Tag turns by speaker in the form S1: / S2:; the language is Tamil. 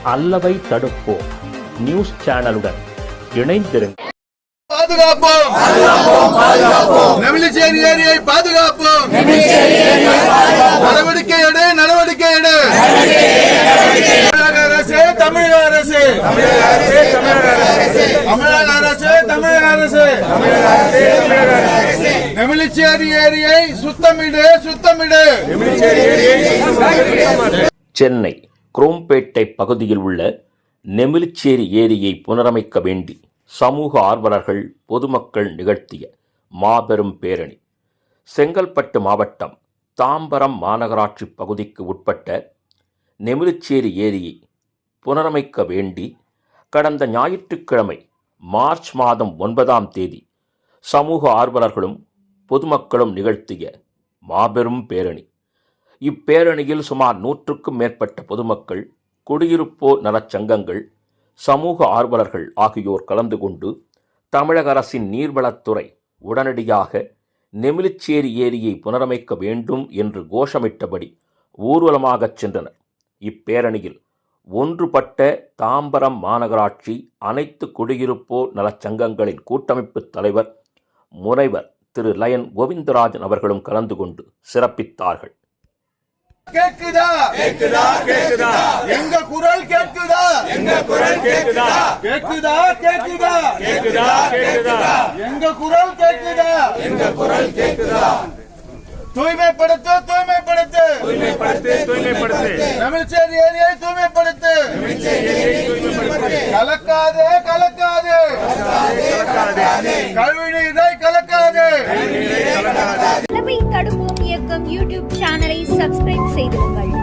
S1: அல்லவை தடுப்போம் நியூஸ் சேனலுடன் இணைந்திருங்கள்.
S2: பாதுகாப்போம் நெமிலிச்சேரி ஏரியை பாதுகாப்போம். நடவடிக்கை எடு. தமிழக அரசு நெமிலிச்சேரி ஏரியை சுத்தமிடு.
S1: சென்னை குரோம்பேட்டை பகுதியில் உள்ள நெமிலிச்சேரி ஏரியை புனரமைக்க வேண்டி சமூக ஆர்வலர்கள் பொதுமக்கள் நிகழ்த்திய மாபெரும் பேரணி செங்கல்பட்டு மாவட்டம் தாம்பரம் மாநகராட்சி பகுதிக்கு உட்பட்ட நெமிலிச்சேரி ஏரியை புனரமைக்க வேண்டி கடந்த ஞாயிற்றுக்கிழமை மார்ச் மாதம் 9ஆம் தேதி சமூக ஆர்வலர்களும் பொதுமக்களும் நிகழ்த்திய மாபெரும் பேரணி. இப்பேரணியில் சுமார் 100க்கும் மேற்பட்ட பொதுமக்கள், குடியிருப்போர் நலச்சங்கங்கள், சமூக ஆர்வலர்கள் ஆகியோர் கலந்து கொண்டு தமிழக அரசின் நீர்வளத்துறை உடனடியாக நெமிலிச்சேரி ஏரியை புனரமைக்க வேண்டும் என்று கோஷமிட்டபடி ஊர்வலமாகச் சென்றனர். இப்பேரணியில் ஒன்றுபட்ட தாம்பரம் மாநகராட்சி அனைத்து குடியிருப்போர் நலச்சங்கங்களின் கூட்டமைப்பு தலைவர் முனைவர் திரு லயன் கோவிந்தராஜன் அவர்களும் கலந்து கொண்டு சிறப்பித்தார்கள்.
S2: கேக்குதா? எங்க குரல் கேக்குதா? எங்க குரல் கேக்குதா? தூய்மைப்படுத்து. நெமிலிச்சேரி ஏரியை தூய்மைப்படுத்து. கலக்காதே. கழிவுநீரை கலக்காதே.
S3: அல்லவை தடுப்போம் இயக்கம் யூடியூப் சேனலை சப்ஸ்கிரைப் செய்திருங்கள்.